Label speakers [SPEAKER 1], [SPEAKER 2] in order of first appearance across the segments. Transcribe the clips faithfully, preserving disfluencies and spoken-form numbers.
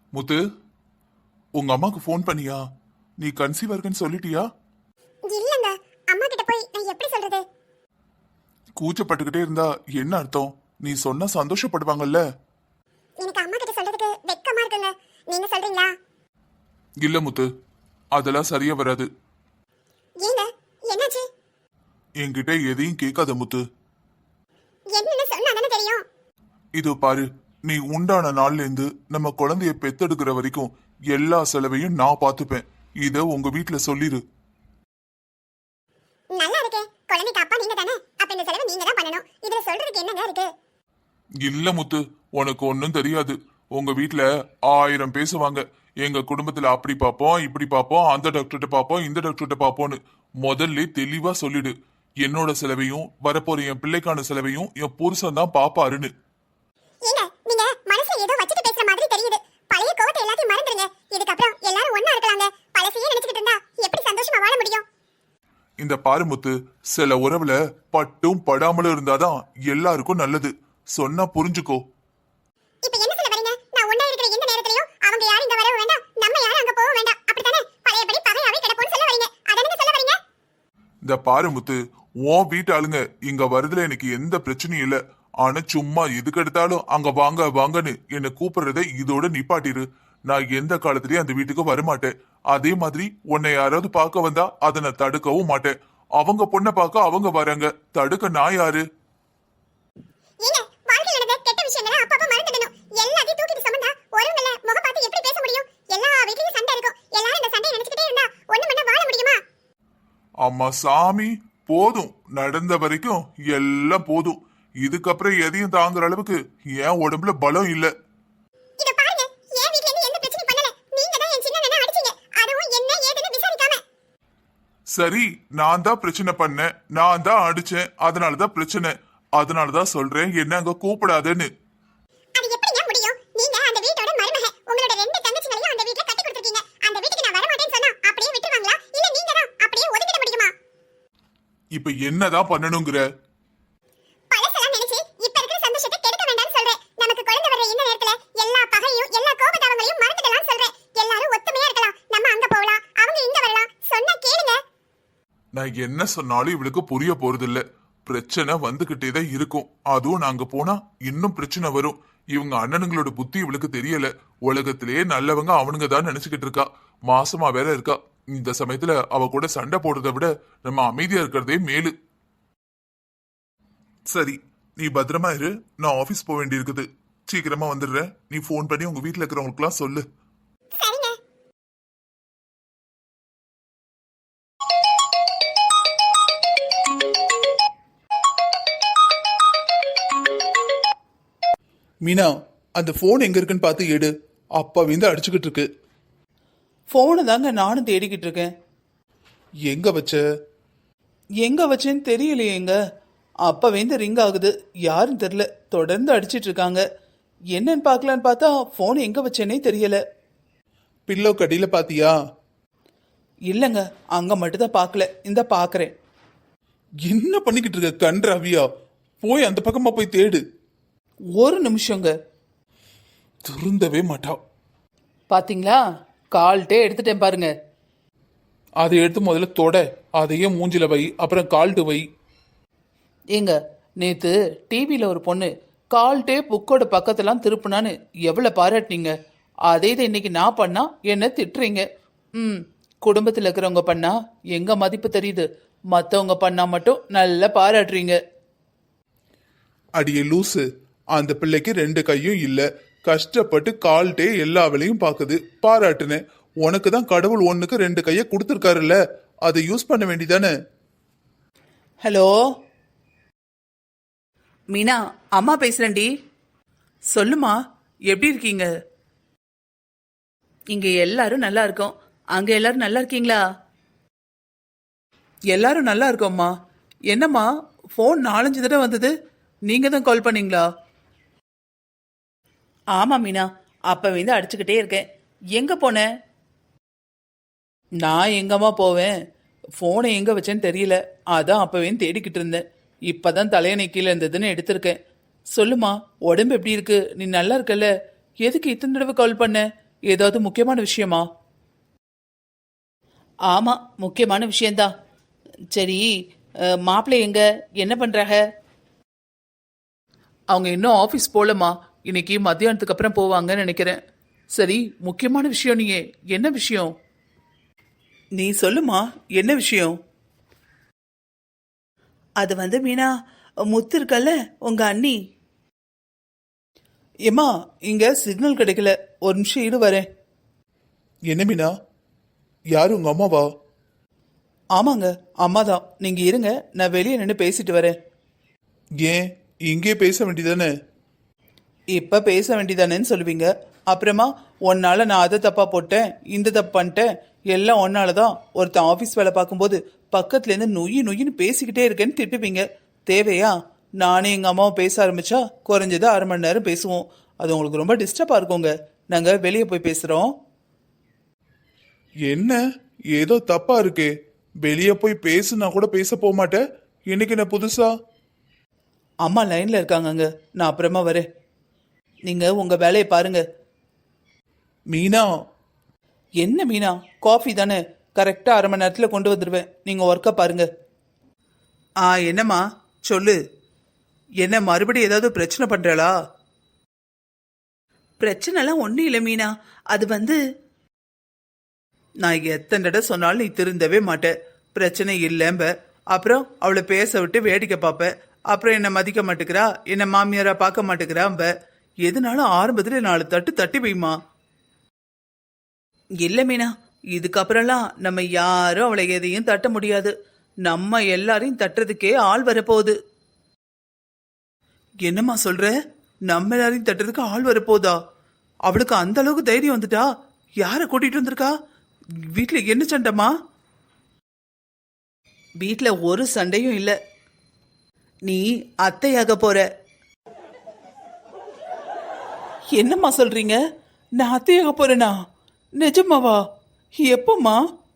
[SPEAKER 1] முத்து, உங்க அம்மாக்கு ஃபோன் பண்ணியா? நீ கன்சீவ் இருக்கன்னு சொல்லிட்டியா?
[SPEAKER 2] இல்லங்க, அம்மா கிட்ட போய் நான் எப்படி சொல்றது?
[SPEAKER 1] கூச்சப்பட்டுக்கிட்டே இருந்தா என்ன அர்த்தம்? நீ சொன்னா சந்தோஷப்படுவாங்கல்ல.
[SPEAKER 2] எனக்கு அம்மா கிட்ட சொல்றதுக்கு வெக்கமா இருக்குங்க. நீங்க சொல்றீங்களா?
[SPEAKER 1] இல்ல முத்து, அதெல்லாம் சரியா வராது.
[SPEAKER 2] ஏங்க, என்னாச்சு?
[SPEAKER 1] என்கிட்ட எதையும் கேட்காத முத்து.
[SPEAKER 2] என்னன்னு சொன்னா தானே தெரியும்.
[SPEAKER 1] இது பாரு, நீ உண்டான நாள்ல இருந்து நம்ம குழந்தைய பெத்தெடுக்கிற வரைக்கும் எல்லா செலவையும் நான் பாத்துப்பேன். இத உங்க வீட்டுல சொல்லிரு.
[SPEAKER 2] நல்லா இருக்கே, குழந்தைக்கு அப்பா நீங்க தானே, அப்ப இந்த செலவு நீங்க தான் பண்ணணும். இதுல சொல்றதுக்கு என்னங்க இருக்கு?
[SPEAKER 1] இல்ல முத்து, உனக்கு ஒன்னும் தெரியாது. உங்க வீட்டுல ஆயிரம் பேசுவாங்க. எங்க குடும்பத்துல அப்படி பாப்போம், இப்படி பாப்போம், அந்த டாக்டர்கிட்ட பாப்போம், இந்த டாக்டர்கிட்ட பாப்போம்னு. முதல்ல தெளிவா சொல்லிடு, என்னோட செலவையும் வரப்போற என் பிள்ளைக்கான செலவையும் என் புருஷன் தான் பாப்பாருன்னு.
[SPEAKER 2] ஏங்க, நீங்க மனசுல ஏதோ வச்சிட்டு பேசுற மாதிரி தெரியுது. பழைய கோவத்தை எல்லாத்தையும் மறந்துடுங்க. இதுக்கப்புறம் எல்லாரும் ஒண்ணா இருக்கலாங்க. பழசையே நினைச்சிட்டு இருந்தா எப்படி சந்தோஷமா வாழ முடியும்?
[SPEAKER 1] இந்த பாரு முத்து, சில உறவுல பட்டும் படாமலும் இருந்தாதான் எல்லாருக்கும் நல்லது. சொன்னா புரிஞ்சுக்கோ.
[SPEAKER 2] இப்ப என்ன சொல்ல வரீங்க? நான் ஒண்ணா இருக்கிற எந்த நேரத்திலயும் அவங்க யாரும் இங்க வரவும் வேண்டாம், நம்ம யாரும் அங்க போக வேண்டாம், அப்படித்தானே? பழையபடி பகையாவே கிடப்போம்னு சொல்ல வரீங்க, அதானே சொல்ல வரீங்க?
[SPEAKER 1] இந்த பாரு முத்து, உன் வீட்டு ஆளுங்க இங்க வருதுல எனக்கு எந்த பிரச்சனையும் இல்ல. ஆனா சும்மா எதுக்கு எடுத்தாலும் அங்க வாங்க வாங்கன்னு என்ன கூப்பிடுறத இதோட நிப்பாட்டிரு. நான் எந்த காலத்திலயும் அந்த வீட்டுக்கு வரமாட்டேன். அதே மாதிரி உன்னை யாராவது பார்க்க வந்தா அதை நான் தடுக்கவும் மாட்டேன். அவங்க பொண்ணை பார்க்க அவங்க வராங்க, தடுக்க நான் யாரு?
[SPEAKER 2] ஏங்க, வாழ்க்கையில நடந்த கெட்ட விஷயங்களை அப்பப்ப மறந்துடணும். எல்லாத்தையும் தூக்கிட்டு சுமந்தா ஒருவங்கள முக பார்த்து எப்படி பேச முடியும்? எல்லா வீட்லயும் சண்டை இருக்கும். எல்லாரும் இந்த சண்டையை நினைச்சிட்டே இருந்தா ஒண்ணு மண்ண வாழ முடியுமா?
[SPEAKER 1] அம்மா சாமி, போதும். நடந்த வரைக்கும் எல்லாம் போதும். இதுக்கப்புறம் எதையும் தாங்குற அளவுக்கு என் உடம்புல பலம் இல்ல.
[SPEAKER 2] இத பாருங்க, என் வீட்ல இருந்து எந்த பிரச்சனையும் பண்ணல. நீங்க தான் என் சின்ன அண்ணனை அடிச்சீங்க, அதுவும் என்ன ஏதுன்னு விசாரிக்காம.
[SPEAKER 1] சரி, நான் தான் பிரச்சனை பண்ணேன், நான் தான் அடிச்சேன், அதனாலதான் பிரச்சனை. அதனாலதான் சொல்றேன் என்ன அங்க கூப்பிடாதேன்னு.
[SPEAKER 2] அது எப்படிங்க முடியும்? நீங்க அந்த வீட்டோட மருமக. உங்களோட ரெண்டு தங்கச்சிகளையும் அந்த வீட்ல கட்டி கொடுத்திருக்கீங்க. அந்த வீட்டுக்கு நான் வர மாட்டேன்னு சொன்னா அப்படியே விட்டுருவாங்களா? இல்ல நீங்க தான் அப்படியே ஒதுக்கிட முடியுமா?
[SPEAKER 1] இப்ப என்னதான் பண்ணணுங்கிற?
[SPEAKER 2] பழசெல்லாம் நினைச்சு இப்ப இருக்கிற சந்தோஷத்தை கெடுக்க வேண்டாம்னு சொல்றேன். நமக்கு குழந்தை வர இந்த நேரத்துல எல்லா பகையும் எல்லா கோபதாபங்களையும் மறந்துடலாம் சொல்றேன். எல்லாரும் ஒத்துமையா இருக்கலாம். நம்ம அங்க போகலாம், அவங்க இங்க வரலாம். சொன்னா கேளுங்க.
[SPEAKER 1] நான் என்ன சொன்னாலும் இவளுக்கு புரிய போறது இல்ல. பிரச்சனை வந்துகிட்டே தான் இருக்கும். அதுவும் நாங்க போனா இன்னும் பிரச்சனை வரும். இவங்க அண்ணனுங்களோட புத்தி இவளுக்கு தெரியல. உலகத்திலேயே நல்லவங்க அவனுங்க தான் நினைச்சுக்கிட்டு இருக்கா. மாசமா வேற இருக்கா. இந்த சமயத்துல அவ கூட சண்டை போடுறதை விட நம்ம அமைதியா இருக்கிறதே மேலு. சரி, நீ பத்திரமா இரு. நான் ஆபீஸ் போக வேண்டி இருக்குது. சீக்கிரமா வந்துடுறேன். நீ போன் பண்ணி உங்க வீட்டுல இருக்கிறவங்களுக்கு எல்லாம் சொல்லு.
[SPEAKER 2] சரிங்க.
[SPEAKER 3] மீனா, அந்த போன் எங்க இருக்குன்னு பார்த்து எடு. அப்பா வந்து அடிச்சுக்கிட்டு இருக்கு.
[SPEAKER 4] ஃபோனை தாங்க நானும் தேடிக்கிட்டு இருக்கேன்.
[SPEAKER 3] எங்க வச்ச?
[SPEAKER 4] எங்க வச்சேன்னு தெரியலையேங்க. அப்பா வந்து ரிங் ஆகுது, யாரும் தெரியல. தொடர்ந்து அடிச்சிட்டு இருக்காங்க. என்னன்னு பார்க்கலான்னு பார்த்தா ஃபோன் எங்க வச்சேனே தெரியல.
[SPEAKER 3] பில்லோ கடியில பாத்தியா?
[SPEAKER 4] இல்லைங்க, அங்க மட்டும் தான் பார்க்கல. இந்த பார்க்கறேன்.
[SPEAKER 3] என்ன பண்ணிக்கிட்டு இருக்க கன்றாவியா? போய் அந்த பக்கமா போய் தேடு.
[SPEAKER 4] ஒரு நிமிஷங்க.
[SPEAKER 3] திருந்தவே மாட்டா.
[SPEAKER 4] பாத்தீங்களா, கால்ட்டே எடுத்துட்டேன் பாருங்க.
[SPEAKER 3] அதை எடுத்து முதல்ல தொட, அதையே மூஞ்சில வை, அப்புறம் கால்ட்டு வை.
[SPEAKER 4] ஏங்க, நேத்து டிவியில ஒரு பொண்ணு கால்ட்டே புக்கோட பக்கத்தெல்லாம் திருப்புனான்னு எவ்வளவு பாராட்டினீங்க. அதே இதை இன்னைக்கு நான் பண்ணா என்ன திட்டுறீங்க. ம் குடும்பத்தில் இருக்கிறவங்க பண்ணா எங்க மதிப்பு தெரியுது, மற்றவங்க பண்ணா மட்டும் நல்லா பாராட்டுறீங்க.
[SPEAKER 3] அடியே லூசு, அந்த பிள்ளைக்கு ரெண்டு கையும் இல்ல, கஷ்டப்பட்டு கால்ட்டே எல்லா வேலையும் பாக்குது, பாராட்டுனேன். உனக்கு தான் கடவுள் ஒண்ணுக்கு ரெண்டு கைய கொடுத்துருக்காருல்ல, அதை யூஸ் பண்ண வேண்டிதானே.
[SPEAKER 4] ஹலோ மீனா, அம்மா பேசுறேன்டி. சொல்லுமா, எப்படி இருக்கீங்க? இங்க எல்லாரும் நல்லா இருக்கோம். அங்க எல்லாரும் நல்லா இருக்கீங்களா? எல்லாரும் நல்லா இருக்கோம்மா. என்னம்மா ஃபோன் நாலஞ்சு தடவை வந்தது, நீங்க தான் கால் பண்ணீங்களா? ஆமா மீனா, அப்ப வந்து அடிச்சுக்கிட்டே இருக்கேன். எங்க போன? நான் எங்கம்மா போவேன், ஃபோனை எங்க வச்சேன்னு தெரியல, அதான் அப்பவே தேடிக்கிட்டு இருந்தேன். இப்பதான் தலையணை கீழே இருந்ததுன்னு எடுத்திருக்கேன். சொல்லுமா, உடம்பு எப்படி இருக்கு? நீ நல்லா இருக்கல? எதுக்கு இத்தனை தடவை கால் பண்ண? ஏதாவது முக்கியமான விஷயமா? ஆமா, முக்கியமான விஷயம்தான். சரி, மாப்பிள்ளை எங்க, என்ன பண்றாங்க? அவங்க இன்னும் ஆஃபீஸ் போலமா, இன்னைக்கு மத்தியானத்துக்கு அப்புறம் போவாங்கன்னு நினைக்கிறேன். சரி, முக்கியமான விஷயம் நீயே, என்ன விஷயம்? நீ சொல்லுமா, என்ன விஷயம்? அது வந்து மீனா, முத்து இருக்கல்ல உங்க அண்ணி. ஏமா, இங்க சிக்னல் கிடைக்கல, ஒரு நிமிஷம் இரு வரேன்.
[SPEAKER 3] என்ன மீனா, யாரு உங்க அம்மாவா?
[SPEAKER 4] ஆமாங்க, அம்மா தான். நீங்க இருங்க, நான் வெளியே நின்று பேசிட்டு வரேன்.
[SPEAKER 3] ஏன் இங்கே பேச வேண்டியதானே?
[SPEAKER 4] இப்ப பேச வேண்டியதானேன்னு சொல்லுவீங்க, அப்புறமா ஒன்னால நான் அதை தப்பா போட்டேன், இந்த தப்பு பண்ணிட்டேன், எல்லாம் ஒன்னாலதான். ஒருத்தன் ஆபீஸ் வேலை பார்க்கும்போது பக்கத்துல இருந்து நொய்யு நொய்யின்னு பேசிக்கிட்டே இருக்கேன்னு திட்டுவீங்க. தேவையா? நானே எங்க அம்மாவும் பேச ஆரம்பிச்சா குறைஞ்சது அரை மணி நேரம் பேசுவோம். அது உங்களுக்கு ரொம்ப டிஸ்டர்பா இருக்குங்க. நாங்க வெளியே போய் பேசுறோம்.
[SPEAKER 3] என்ன ஏதோ தப்பா இருக்கே? வெளியே போய் பேசுனா கூட பேச போக மாட்டேன், இன்னைக்கு என்ன புதுசா?
[SPEAKER 4] அம்மா லைன்ல இருக்காங்கங்க, நான் அப்புறமா வரேன். நீங்க உங்க வேலையை பாருங்க.
[SPEAKER 3] மீனா,
[SPEAKER 4] என்ன மீனா, காஃபி தானே, கரெக்டா அரை மணி நேரத்துல கொண்டு வந்துடுவேன். நீங்க ஒர்க்கை பாருங்க. ஆ, என்னம்மா சொல்லு. என்ன மறுபடியும் ஏதாவது பிரச்சனை பண்றாளா? பிரச்சனைலாம் ஒன்றும் இல்லை மீனா, அது வந்து நான் எத்தனை தடவை சொன்னாலும் நீ திருந்தவே மாட்டேன். பிரச்சனை இல்லைம்ப, அப்புறம் அவளை பேச விட்டு வேடிக்கை பார்ப்ப, அப்புறம் என்னை மதிக்க மாட்டேங்கிறா, என்னை மாமியாரா பார்க்க மாட்டேங்கிறாம்ப. எதுனாலும் ஆரம்பத்தில் நாலு தட்டு தட்டி வைமா. இல்லை மீனா, இதுக்கப்புறம்லாம் நம்ம யாரும் அவளை எதையும் தட்ட முடியாது. நம்ம எல்லாரையும் தட்டுறதுக்கே ஆள் வரப்போகுது. என்னம்மா சொல்ற? நம்ம எல்லாரையும் தட்டுறதுக்கு ஆள் வரப்போதா? அவளுக்கு அந்த அளவுக்கு தைரியம் வந்துட்டா? யாரை கூட்டிட்டு வந்திருக்கா? வீட்டுல என்ன சண்டைமா? வீட்டுல ஒரு சண்டையும் இல்ல. நீ அத்தையாக போற. என்னம்மா சொல்றீங்க? நான் அத்தையாக போறேனா? நிஜமாவா? எப்போம்மா?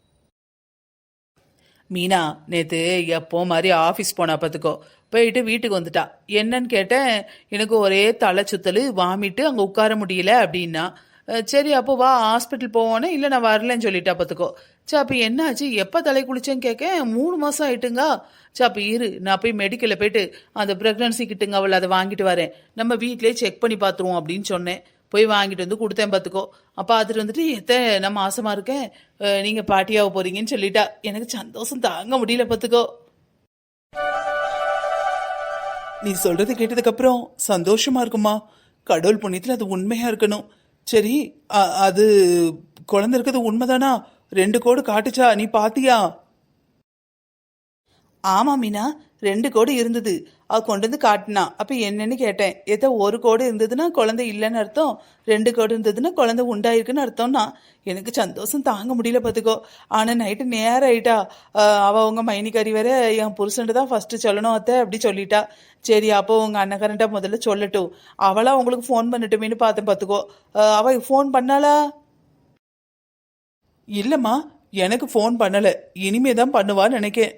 [SPEAKER 4] மீனா நேத்து எப்போ மாதிரி ஆஃபீஸ் போனா பார்த்துக்கோ, போயிட்டு வீட்டுக்கு வந்துட்டா. என்னன்னு கேட்டேன், எனக்கு ஒரே தலை சுத்தல், வாமிட்டு, அங்கே உட்கார முடியல அப்படின்னா. அஹ் சரி அப்போ வா ஹாஸ்பிட்டல் போவோன்னே, இல்லை நான் வரலன்னு சொல்லிட்டா பார்த்துக்கோ. சரி அப்போ என்னாச்சு, எப்போ தலை குளிச்சேன்னு கேட்க, மூணு மாதம் ஆயிட்டுங்க. சரி அப்போ இரு, நான் போய் மெடிக்கலில் போயிட்டு அந்த ப்ரெக்னன்சி கிட்டுங்க அவள் அதை வாங்கிட்டு வரேன், நம்ம வீட்டிலே செக் பண்ணி பார்த்துருவோம் அப்படின்னு சொன்னேன். போய் வாங்கிட்டு வந்து கொடுத்தேன் பார்த்துக்கோ. அப்போ பார்த்துட்டு வந்துட்டு, எத்த நான் மாசமா இருக்கேன், நீங்கள் பாட்டியாக போறீங்கன்னு சொல்லிட்டா. எனக்கு சந்தோஷம் தாங்க முடியல பார்த்துக்கோ. நீ சொல்றது கேட்டதுக்கு அப்புறம் சந்தோஷமா இருக்குமா? கடவுள் புண்ணியத்தில் அது உண்மையா இருக்கணும். சரி, அ- அது குழந்தை இருக்கிறது உண்மைதானா? ரெண்டு கோடு காட்டுச்சா, நீ பாத்தியா? ஆமா மீனா, ரெண்டு கோடு இருந்தது. அவ கொண்டு வந்து காட்டினா. அப்ப என்னன்னு கேட்டேன். ஏதோ ஒரு கோடு இருந்ததுன்னா குழந்தை இல்லைன்னு அர்த்தம், ரெண்டு கோடு இருந்ததுன்னா குழந்தை உண்டாயிருக்குன்னு அர்த்தம்னா. எனக்கு சந்தோஷம் தாங்க முடியல பார்த்துக்கோ. ஆனால் நைட்டு நேரம் ஆயிட்டா. அஹ் அவ உங்க மைனிக்காரி வேற என் புருஷன்ட்டு தான் ஃபர்ஸ்ட் சொல்லணும் அத்தை அப்படி சொல்லிட்டா. சரி அப்போ உங்க அண்ணக்காரன்ட்ட முதல்ல சொல்லட்டும், அவளா உங்களுக்கு ஃபோன் பண்ணட்டுமேனு பார்த்தேன் பார்த்துக்கோ. அஹ் அவ ஃபோன் பண்ணாளா? இல்லம்மா, எனக்கு ஃபோன் பண்ணல, இனிமே தான் பண்ணுவான்னு நினைக்கேன்.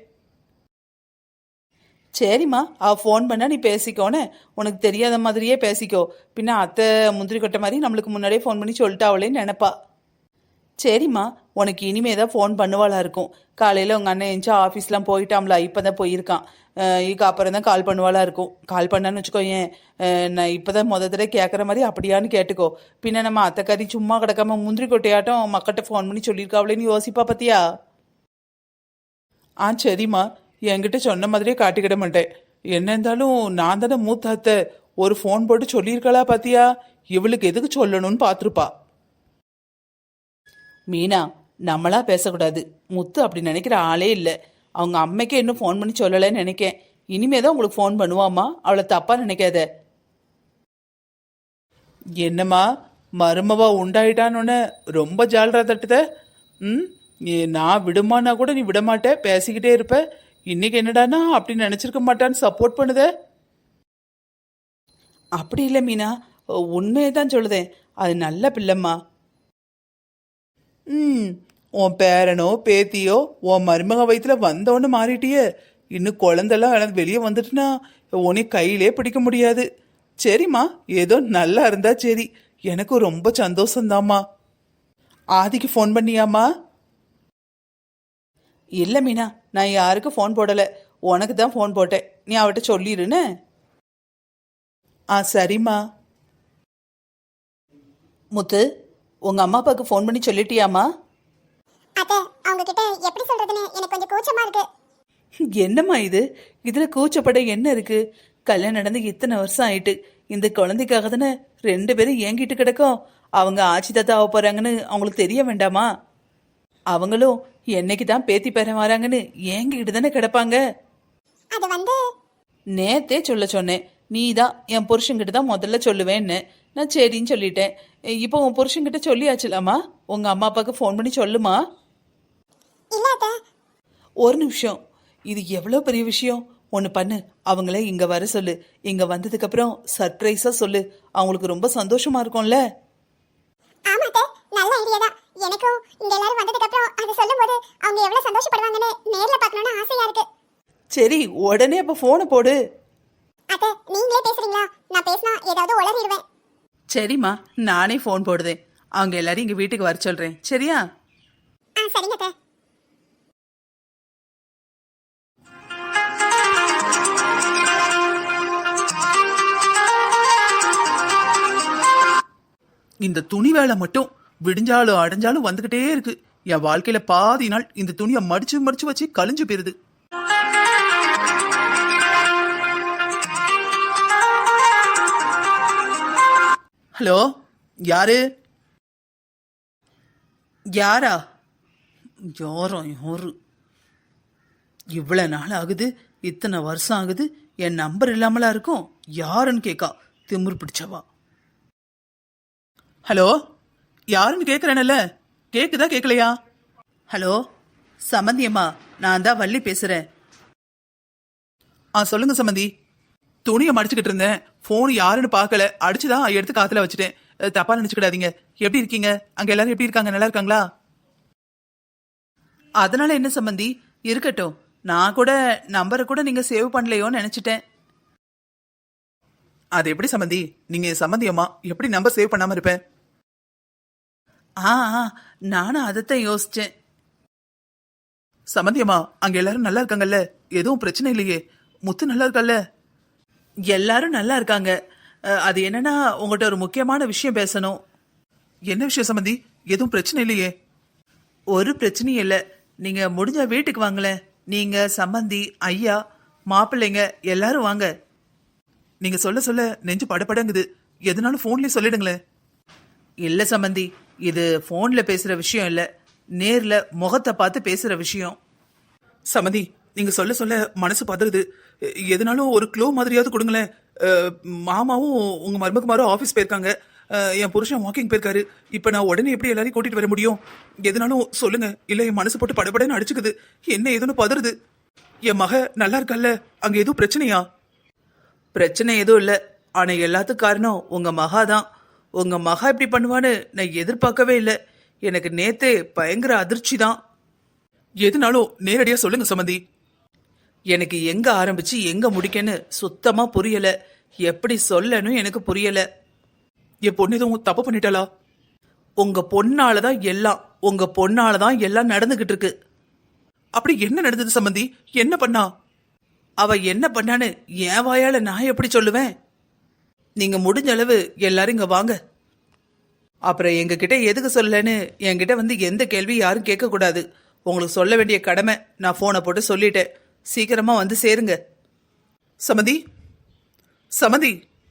[SPEAKER 4] சரிம்மா, அவள் ஃபோன் பண்ணால் நீ பேசிக்கோன்னு, உனக்கு தெரியாத மாதிரியே பேசிக்கோ. பின்ன அத்தை முந்திரி கொட்டை மாதிரி நம்மளுக்கு முன்னாடியே ஃபோன் பண்ணி சொல்லிட்டு அவளேன்னு நினைப்பா. சரிம்மா, உனக்கு இனிமே தான் ஃபோன் பண்ணுவாளா இருக்கும். காலையில் உங்கள் அண்ணன் எந்திச்சு ஆஃபீஸ்லாம் போயிட்டாம்ல, இப்போ தான் போயிருக்கான். இதுக்கு அப்புறம் தான் கால் பண்ணுவாளா இருக்கும். கால் பண்ணான்னு வச்சுக்கோ, ஏன் நான் இப்போ தான் முத தடவை கேட்குற மாதிரி அப்படியான்னு கேட்டுக்கோ. பின்ன நம்ம அத்தைக்காரி சும்மா கிடக்காம முந்திரி கொட்டையாட்டம் மக்கள்கிட்ட ஃபோன் பண்ணி சொல்லியிருக்காவளேன்னு யோசிப்பா பார்த்தியா? ஆ சரிம்மா, என்கிட்ட சொன்ன மாதிரியே காட்டிக்கிட மாட்டேன். என்ன இருந்தாலும் நான் தானே மூத்த அத்தை, ஒரு ஃபோன் போட்டு சொல்லியிருக்காளா பாத்தியா? இவளுக்கு எதுக்கு சொல்லணும்னு பார்த்துருப்பா. மீனா, நம்மளா பேசக்கூடாது. முத்து அப்படி நினைக்கிற ஆளே இல்லை. அவங்க அம்மைக்கே இன்னும் ஃபோன் பண்ணி சொல்லலைன்னு நினைக்கேன். இனிமே தான் உங்களுக்கு ஃபோன் பண்ணுவாமா, அவளை தப்பா நினைக்காத. என்னம்மா, மருமவா உண்டாயிட்டான்னு ரொம்ப ஜாலரா தட்டுத? ம், நான் விடுமானா கூட நீ விடமாட்ட, பேசிக்கிட்டே இருப்ப. இன்னைக்கு என்னடானா அப்படி நினைச்சிருக்க மாட்டான்னு சப்போர்ட் பண்ணுத. அப்படி இல்லை மீனா, உண்மையை தான் சொல்லுதேன். அது நல்ல பிள்ளைம்மா. ம், உன் பேரனோ பேத்தியோ உன் மருமக வயிற்றுல வந்தோன்னு மாறிட்டியே. இன்னும் குழந்தெல்லாம் வெளியே வந்துட்டுனா உன்னை கையிலே பிடிக்க முடியாது. சரிம்மா, ஏதோ நல்லா இருந்தா சரி, எனக்கு ரொம்ப சந்தோஷம்தாம்மா. ஆதிக்கு ஃபோன் பண்ணியாம்மா? இல்லை மீனா, நான் யாருக்கும் ஃபோன் போடலை, உனக்கு தான் ஃபோன் போட்டேன். நீ அவட்ட சொல்லிடுன்னு. ஆ சரிம்மா. முத்து, உங்க அம்மா அப்பாவுக்கு ஃபோன் பண்ணி சொல்லிட்டியாம்மா?
[SPEAKER 2] அத்தை, அவங்க கிட்ட எப்படி சொல்றதுன்னு எனக்கு கொஞ்சம் கூச்சமா இருக்கு.
[SPEAKER 4] என்னம்மா இது, இதுல கூச்சப்பட என்ன இருக்கு? கல்யாணம் நடந்து இத்தனை வருஷம் ஆயிட்டு, இந்த குழந்தைக்காக தானே ரெண்டு பேரும் ஏங்கிட்டு கிடக்கும். அவங்க ஆட்சி தாத்தா ஆக போறாங்கன்னு அவங்களுக்கு தெரிய வேண்டாமா? அவங்களும் என்னைக்கு தான் பேத்தி பேரன் வராங்கன்னு ஏங்கிட்டு தானே கிடப்பாங்க.
[SPEAKER 2] அது வந்து
[SPEAKER 4] நேத்தே சொல்ல சொன்னேன், நீ தான் என் புருஷன்கிட்ட தான் முதல்ல சொல்லுவேன்னு. நான் சரின்னு சொல்லிட்டேன். இப்போ உன் புருஷன்கிட்ட சொல்லியாச்சுலாமா? உங்க அம்மா அப்பாவுக்கு ஃபோன் பண்ணி சொல்லுமா.
[SPEAKER 2] இல்ல அத்தை.
[SPEAKER 4] ஒரு நிமிஷம், இது எவ்வளோ பெரிய விஷயம். ஒன்று பண்ணு, அவங்கள இங்கே வர சொல்லு. இங்கே வந்ததுக்கப்புறம் சர்ப்ரைஸாக சொல்லு, அவங்களுக்கு ரொம்ப சந்தோஷமா இருக்கும்ல.
[SPEAKER 2] ஆமா அத்தை, நல்ல ஐடியா தான். எனக்கும் இங்க எல்லாரும் வந்ததுக்கு அப்புறம் அதை சொல்லும்போது அவங்க எவ்வளவு சந்தோஷப்படுவாங்கன்னு நேர்ல பார்க்கணும்னு ஆசையா இருக்கு.
[SPEAKER 4] சரி, உடனே அப்போ ஃபோனை போடு.
[SPEAKER 2] அத்தை, நீங்களே பேசுறீங்களா? நான் பேசினா ஏதாவது உளறிடுவேன்.
[SPEAKER 4] சரிம்மா, நானே ஃபோன் போடுதேன். அவங்க எல்லாரும் இங்கே வீட்டுக்கு வர சொல்கிறேன், சரியா?
[SPEAKER 2] ஆ சரிங்க அத்தை.
[SPEAKER 4] இந்த துணி வேலை மட்டும் விடிஞ்சாலும் அடைஞ்சாலும் வந்துகிட்டே இருக்கு. என் வாழ்க்கையில பாதி நாள் இந்த துணியை மடிச்சு மடிச்சு வச்சு கழிஞ்சு போயிருது. ஹலோ, யாரு? யாரா? யாரோ யாரு? இவ்வளவு நாள் ஆகுது, இத்தனை வருஷம் ஆகுது, என் நம்பர் இல்லாமலா இருக்கும். யாருன்னு கேட்கா, திமிரு பிடிச்சவா. ஹலோ, யாருன்னு கேட்குறேன்ல, கேட்குதா கேட்கலையா? ஹலோ, சம்மந்தியம்மா, நான் தான் வள்ளி பேசுகிறேன். ஆ சொல்லுங்க சம்மந்தி. துணியை மடிச்சுக்கிட்டு இருந்தேன், ஃபோன் யாருன்னு பார்க்கல, அடிச்சுதான் எடுத்து காத்துல வச்சுட்டேன். தப்பா நினச்சிக்கிடாதீங்க. எப்படி இருக்கீங்க? அங்கே எல்லாரும் எப்படி இருக்காங்க? நல்லா இருக்காங்களா? அதனால என்ன சம்மந்தி, இருக்கட்டும். நான் கூட நம்பரை கூட நீங்கள் சேவ் பண்ணலையோன்னு நினச்சிட்டேன். அது எப்படி சம்மந்தி, நீங்கள் சம்மந்தியம்மா, எப்படி நம்பர் சேவ் பண்ணாமல் இருப்பேன்? ஆ ஆ, நானும் அதைத்தான் யோசிச்சேன். சம்மந்தியம்மா, அங்க எல்லாரும் நல்லா இருக்காங்கல்ல? எதுவும் பிரச்சனை இல்லையே? முத்து நல்லா இருக்கல்ல? எல்லாரும் நல்லா இருக்காங்க. அது என்னன்னா, உங்கள்கிட்ட ஒரு முக்கியமான விஷயம் பேசணும். என்ன விஷயம் சம்மந்தி? எதுவும் பிரச்சனை இல்லையே? ஒரு பிரச்சனையும் இல்லை. நீங்க முடிஞ்ச வீட்டுக்கு வாங்களேன். நீங்க, சம்மந்தி, ஐயா, மாப்பிள்ளைங்க எல்லாரும் வாங்க. நீங்க சொல்ல சொல்ல நெஞ்சு படப்படங்குது. எதுனாலும் போன்லயே சொல்லிடுங்களேன். இல்ல சம்மந்தி, இது போன்ல பேசுற விஷயம் இல்ல, நேர்ல முகத்தை பார்த்து பேசுற விஷயம். சம்மந்தி, நீங்க சொல்ல சொல்ல மனசு பதறுது. எதுனாலும் ஒரு க்ளோ மாதிரியாவது கொடுங்களேன். மாமாவும் உங்க மருமகுமாரும் ஆபீஸ் போயிருக்காங்க, என் புருஷன் வாக்கிங் போயிருக்காரு. இப்ப நான் உடனே எப்படி எல்லாரையும் கூட்டிட்டு வர முடியும்? எதுனாலும் சொல்லுங்க, இல்ல என் மனசு போட்டு படபடன்னு அடிச்சுக்குது. என்ன ஏதுன்னு பதறுது. என் மக நல்லா இருக்கல்ல? அங்க எதுவும் பிரச்சனையா? பிரச்சனை எதுவும் இல்லை, ஆனா எல்லாத்துக்கும் காரணம் உங்க மகா தான். உங்க மகா இப்படி பண்ணுவான்னு நான் எதிர்பார்க்கவே இல்லை. எனக்கு நேத்தே பயங்கர அதிர்ச்சி தான். எதுனாலும் நேரடியா சொல்லுங்க சம்மந்தி. எனக்கு எங்க ஆரம்பிச்சு எங்க முடிக்கன்னு சுத்தமா புரியல. எப்படி சொல்லணும் எனக்கு புரியல. என் பொண்ணு எதுவும் தப்பு பண்ணிட்டாளா? உங்க பொண்ணாலதான் எல்லாம், உங்க பொண்ணாலதான் எல்லாம் நடந்துகிட்டு இருக்கு. அப்படி என்ன நடந்தது சம்மந்தி? என்ன பண்ணா? அவ என்ன பண்ணான்னு என் வாயால நான் எப்படி சொல்லுவேன்? நீங்க முடிஞ்ச அளவு எல்லாரும் இங்க வாங்க. அப்புறம் எங்க கிட்ட எதுக்கு சொல்லலன்னு என்கிட்ட வந்து எந்த கேள்வி யாரும் கேட்க கூடாது. உங்களுக்கு சொல்ல வேண்டிய கடமை நான் போனை போட்டு சொல்லிட்டேன். சீக்கிரமா வந்து சேருங்க. சமதி, சமதி,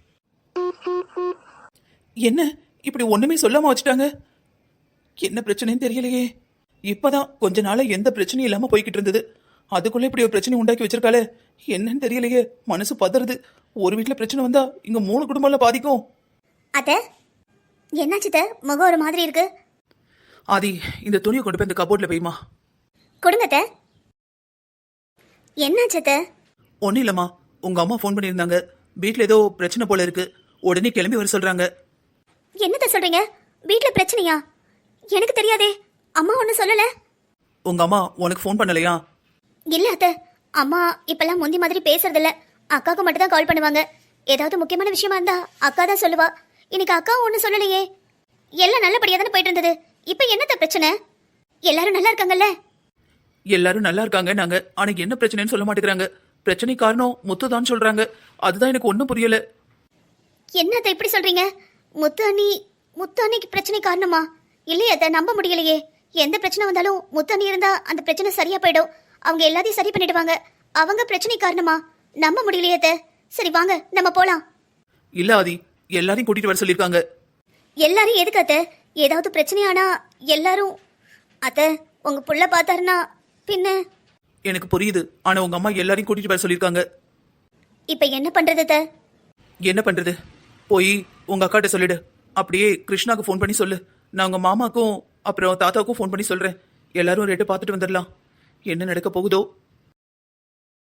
[SPEAKER 4] என்ன இப்படி ஒண்ணுமே சொல்லாம வச்சுட்டாங்க? என்ன பிரச்சனைன்னு தெரியலையே. இப்பதான் கொஞ்ச நாள எந்த பிரச்சனையும் இல்லாம போய்கிட்டு இருந்தது, அதுக்குள்ள இப்படி ஒரு பிரச்சனை உண்டாக்கி வச்சிருக்காளே. என்னன்னு தெரியலையே, மனசு பதறுது. ஒரு வீட்டுல பிரச்சனை வந்தா இங்க மூணு குடும்பம்ல பாதிக்கும்.
[SPEAKER 2] அத்தை, என்னாச்சு? முகம் ஒரு மாதிரி இருக்கு.
[SPEAKER 4] ஆதி, இந்த துணியை கொண்டு போய் இந்த கபோர்ட்ல போய்மா.
[SPEAKER 2] கொடுங்க அத்தை. என்னாச்சு அத்தை?
[SPEAKER 4] ஒன்னும் இல்லம்மா, உங்க அம்மா ஃபோன் பண்ணியிருந்தாங்க. வீட்டுல ஏதோ பிரச்சனை போல இருக்கு, உடனே கிளம்பி வர சொல்றாங்க.
[SPEAKER 2] என்னத்த சொல்றீங்க? வீட்டுல பிரச்சனையா? எனக்கு தெரியாதே, அம்மா ஒன்னும் சொல்லல.
[SPEAKER 4] உங்க அம்மா உனக்கு ஃபோன் பண்ணலையா?
[SPEAKER 2] இல்ல அத்தை, அம்மா இப்பெல்லாம் முந்தி மாதிரி பேசுறது இல்ல. அக்காவுக்கு மட்டும் தான் கால் பண்ணுவாங்க. ஏதாவது முக்கியமான விஷயமா இருந்தா அக்கா தான் சொல்லுவா. இன்னைக்கு அக்கா ஒன்னும் சொல்லலையே. எல்லாம் நல்லபடியா தானே போயிட்டு இருந்தது. இப்ப என்னத்த பிரச்சனை? எல்லாரும் நல்லா இருக்காங்கல்ல?
[SPEAKER 4] எல்லாரும் நல்லா இருக்காங்க நாங்க, ஆனா என்ன பிரச்சனைன்னு சொல்ல மாட்டேங்கிறாங்க. பிரச்சனை காரணம் முத்துதான் சொல்றாங்க. அதுதான் எனக்கு ஒன்றும் புரியல.
[SPEAKER 2] என்னத்த இப்படி சொல்றீங்க? முத்து அண்ணி முத்து அண்ணிக்கு பிரச்சனை காரணமா? இல்லையே அத்தை, நம்ப முடியலையே. எந்த பிரச்சனை வந்தாலும் முத்து அண்ணி இருந்தா அந்த பிரச்சனை சரியா போயிடும். அவங்க எல்லாத்தையும் சரி பண்ணிடுவாங்க. அவங்க பிரச்சனை காரணமா? நம்ப முடியலையே அத்தை. சரி வாங்க நம்ம போலாம்.
[SPEAKER 4] இல்ல ஆதி, எல்லாரையும் கூட்டிட்டு வர சொல்லியிருக்காங்க.
[SPEAKER 2] எல்லாரும் எதுக்கு அத்தை? ஏதாவது பிரச்சனையானா எல்லாரும் அத்தை உங்க புள்ள பார்த்தாருன்னா பின்ன.
[SPEAKER 4] எனக்கு புரியுது, ஆனா உங்க அம்மா எல்லாரையும் கூட்டிட்டு வர சொல்லியிருக்காங்க.
[SPEAKER 2] இப்ப என்ன பண்றது அத்தை?
[SPEAKER 4] என்ன பண்றது? போய் உங்க அக்காட்ட சொல்லிடு. அப்படியே கிருஷ்ணாக்கு ஃபோன் பண்ணி சொல்லு. நான் உங்க மாமாக்கும் அப்புறம் தாத்தாவுக்கும் ஃபோன் பண்ணி சொல்றேன். எல்லாரும் ரேட்டு பார்த்துட்டு வந்துடலாம். என்ன நடக்க போகுதோ